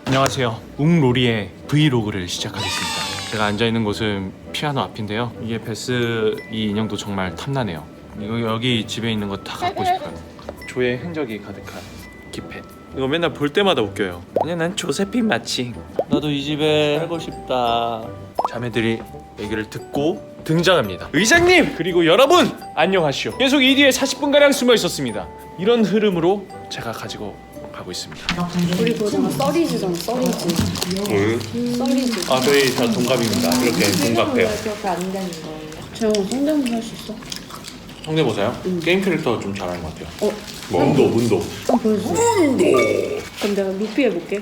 안녕하세요. 웅로리의 브이로그를 시작하겠습니다. 제가 앉아있는 곳은 피아노 앞인데요. 이게 베스 이 인형도 정말 탐나네요. 여기 집에 있는 거 다 갖고 싶어요. 조의 흔적이 가득한 키펫. 이거 맨날 볼 때마다 웃겨요. 그냥 난 조세핀 마칭. 나도 이 집에 살고 싶다. 자매들이 얘기를 듣고 등장합니다. 의장님! 그리고 여러분! 안녕하시오. 계속 이 뒤에 40분가량 숨어 있었습니다. 이런 흐름으로 제가 가지고 가고 있습니다. 그리고 제가 썰리즈잖아, 썰리즈. 썰리즈. 아, 저희 다 동갑입니다. 이렇게 동갑해요. 그렇게 안 되는 거예요. 재영아, 성대모사 할 수 있어? 성대모사요? 게임 캐릭터 좀 잘하는 것 같아요. 어? 문도. 한번 보여주세요. 그럼 내가 루피 해볼게.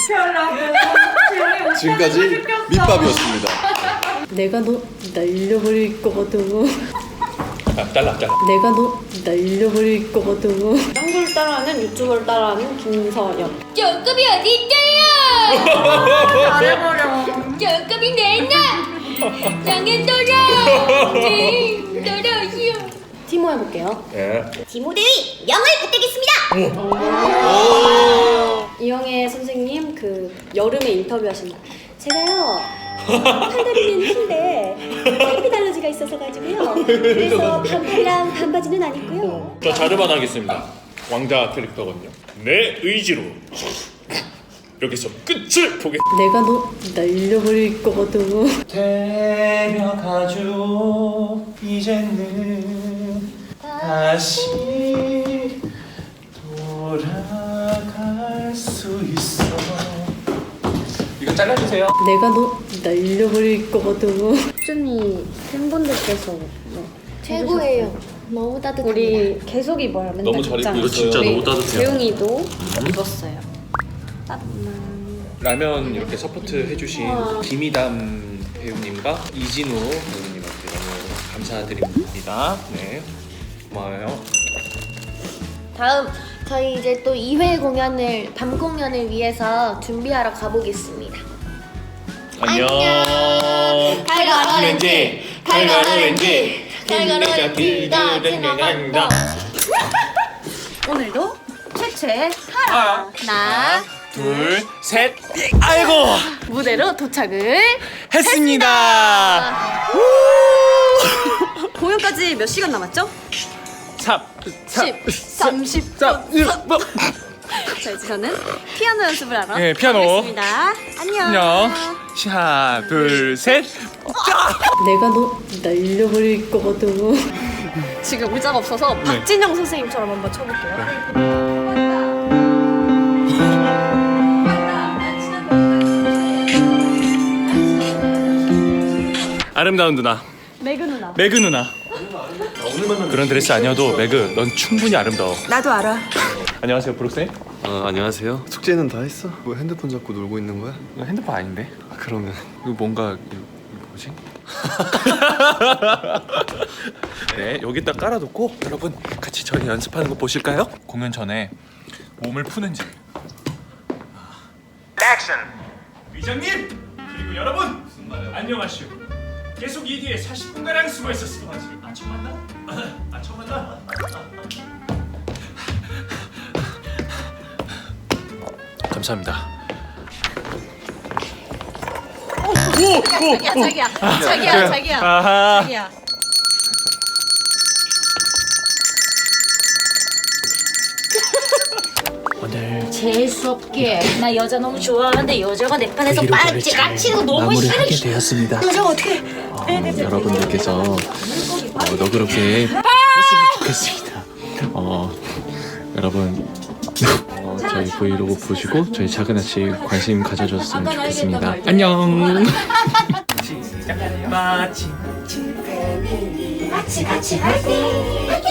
지금까지 밑밥이었습니다. 내가 너 날려버릴 거거든. 잘라. 내가 너 날려버릴 거거든. 짱구를 따라하는 유튜버를 따라하는 김서연. 조급이 어디 있어요? 잘해버려. 조급이 내놔. 장애 돌아. 돌아오시오. 티모 해볼게요. 예. 디모데이 영을 부탁했습니다. 이영애 선생님 그 여름에 인터뷰하신 날. 제가요 팔다리는 흰데 햇빛 알러지가 있어서 가지고요. 그래서 반팔이랑 반바지는 안 입고요. 저 자르만 하겠습니다. 왕자 캐릭터거든요. 내 의지로 여기서 끝을 보겠. 내가 너 날려버릴 거거든. 데려가줘 이제는 다시 돌아갈 수 있어. 이거 잘라주세요. 내가 너 날려버릴 거거든. 쭈미 팬분들께서 최고예요. 너무 따뜻합니다. 우리 계속 입어요. 맨날 너무 잘 입고 입잖아. 있어요. 진짜 우리 너무 따뜻해요. 재웅이도 입었어요. 라면 이렇게 서포트 해주신 김이담 배우님과 이진우 배우님한테 너무 감사드립니다. 네, 고마워요. 다음 저희 이제 또 2회 공연을 밤 공연을 위해서 준비하러 가보겠습니다. 안녕. 달걀 오렌지, 달걀 오렌지, 달걀 오렌지가 생각난다. 오늘도 최최 하나, 둘, 셋. 아이고 무대로 도착을 했습니다. 공연까지 몇 시간 남았죠? 3, 10, 30. 자, 이제 저는 피아노 연습을 하러 네, 피아노. 가겠습니다. 안녕. 안녕. 하나, 둘, 셋. 내가 너 날려버릴 거거든. 지금 의자가 없어서 박진영 선생님처럼 한번 쳐볼게요. 아름다운 누나. 매그 누나. 매그 누나. 그런 드레스 아니어도 매그, 넌 충분히 아름다워. 나도 알아. 안녕하세요, 브룩쌤. 안녕하세요. 숙제는 다 했어? 뭐 핸드폰 잡고 놀고 있는 거야? 이거 핸드폰 아닌데? 그러면 이거 뭔가 이거 뭐지? 네, 여기다 깔아놓고 여러분 같이 저희 연습하는 거 보실까요? 공연 전에 몸을 푸는 집. 액션! 위장님! 그리고 여러분! 안녕하시오. 계속 이 뒤에 40분가량 숨어 있었어. 아, 처음 만나? 아, 처음 만나? 감사합니다. 자기야. 아하. 자기야. 오늘 재수없게 나 여자 너무 좋아하는데 여자가 내 편에서 까치는 거 너무 마무리하게 싫어. 되었습니다. 여자가 어떻게 여러분들께서 너그럽게 했으면 좋겠습니다. 여러분 저희 브이로그 보시고 저희 작은 아치 관심 가져줬으면 좋겠습니다. 안녕. 마치 같이 화이팅.